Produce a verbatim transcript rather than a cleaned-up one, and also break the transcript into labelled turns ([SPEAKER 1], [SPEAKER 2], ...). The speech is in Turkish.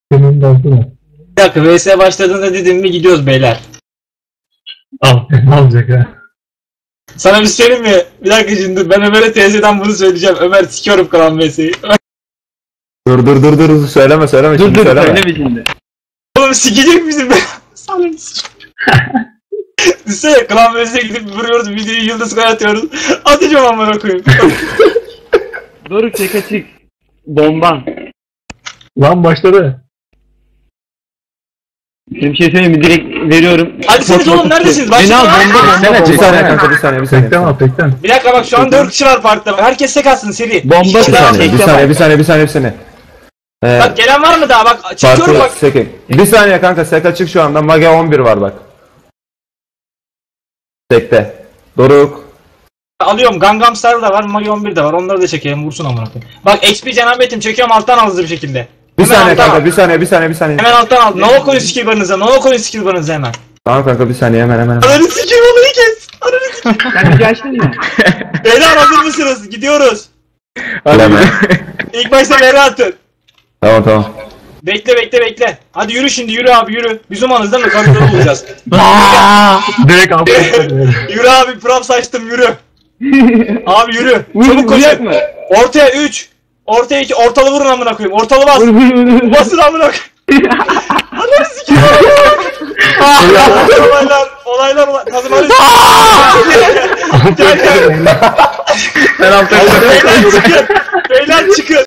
[SPEAKER 1] Senin de altına.
[SPEAKER 2] Bir dakika V S başladığında dedim mi gidiyoruz beyler.
[SPEAKER 1] Al. Ne olacak ha?
[SPEAKER 2] Sana bir şey söyleyeyim mi? Bir dakika şimdi ben Ömer'e teyzeden bunu söyleyeceğim. Ömer sikiyorum kalan V S'yi.
[SPEAKER 3] Dur dur dur dur söyleme söyleme
[SPEAKER 4] Dur
[SPEAKER 3] şimdi
[SPEAKER 4] dur
[SPEAKER 3] söyleme.
[SPEAKER 4] söyleme şimdi.
[SPEAKER 2] Oğlum sikecek misin be? Sana bir Düşünsene klan V S'ye gidip vuruyoruz videoyu yıldız kaynatıyoruz. Atacağım amına koyayım.
[SPEAKER 4] Doruk çek açık. Bomban.
[SPEAKER 1] Lan başladı.
[SPEAKER 4] Şimdi bir şey söyleyeyim mi? Direkt veriyorum.
[SPEAKER 2] Hadi siz oğlum neredesiniz?
[SPEAKER 4] Beni al
[SPEAKER 2] Başlayın.
[SPEAKER 4] bomba
[SPEAKER 3] Bir
[SPEAKER 4] bomba
[SPEAKER 3] saniye
[SPEAKER 4] bomba.
[SPEAKER 3] kanka bir saniye bir saniye.
[SPEAKER 1] Tekten al tekten.
[SPEAKER 2] Bir dakika bak şu an dört kişi var parkta. Herkes tek atsın seri.
[SPEAKER 4] Bomba
[SPEAKER 2] İki
[SPEAKER 3] Bir
[SPEAKER 2] kişi daha
[SPEAKER 3] saniye
[SPEAKER 2] çek.
[SPEAKER 3] bir saniye bir saniye bir saniye bir saniye. Ee,
[SPEAKER 2] Bak gelen var mı daha? Bak çekiyorum
[SPEAKER 3] farklı
[SPEAKER 2] bak.
[SPEAKER 3] seke. Bir saniye kanka sek açık şu anda. Mage on bir var bak. Sekte. Doruk.
[SPEAKER 2] Alıyorum. Gangnam Style da var. Magi on bir de var. Onları da çekelim. Vursun amına koyayım. Bak X P Cenab-ı çekiyorum alttan al hızlı bir şekilde.
[SPEAKER 3] Bir
[SPEAKER 2] Hemen
[SPEAKER 3] saniye
[SPEAKER 2] alttan
[SPEAKER 3] kanka
[SPEAKER 2] al.
[SPEAKER 3] bir saniye bir saniye bir saniye.
[SPEAKER 2] Hemen alttan al. Nova koyun skill barınıza. Nova koyun skill barınıza hemen.
[SPEAKER 3] Tamam kanka bir saniye hemen hemen. hemen.
[SPEAKER 2] Ananı sikeyim olayı kes. Ananı sikeyim.
[SPEAKER 4] Sen bir açtın mı?
[SPEAKER 2] Beyler hazır mısınız? Gidiyoruz.
[SPEAKER 3] Hadi hemen.
[SPEAKER 2] İlk başta Beyler atın.
[SPEAKER 3] Tamam tamam.
[SPEAKER 2] Bekle bekle bekle. Hadi yürü şimdi yürü abi yürü. Biz umanız değil mi? Kadınları bulacağız.
[SPEAKER 1] Direkt al.
[SPEAKER 2] Yürü abi prop saçtım yürü. Abi yürü.
[SPEAKER 4] Vur,
[SPEAKER 2] Çabuk
[SPEAKER 4] vuracak
[SPEAKER 2] koşun.
[SPEAKER 4] mı?
[SPEAKER 2] Ortaya üç. Ortaya iki. Ortalı vurun amına koyayım. Ortalı bas.
[SPEAKER 4] Vur vur vur vur.
[SPEAKER 2] Basın amına koyayım. Ananı sikeyim. olaylar, olaylar, olaylar. Kazım hadi. Gel gel.
[SPEAKER 3] Ben altı
[SPEAKER 2] Beyler çıkın. Beyler çıkın.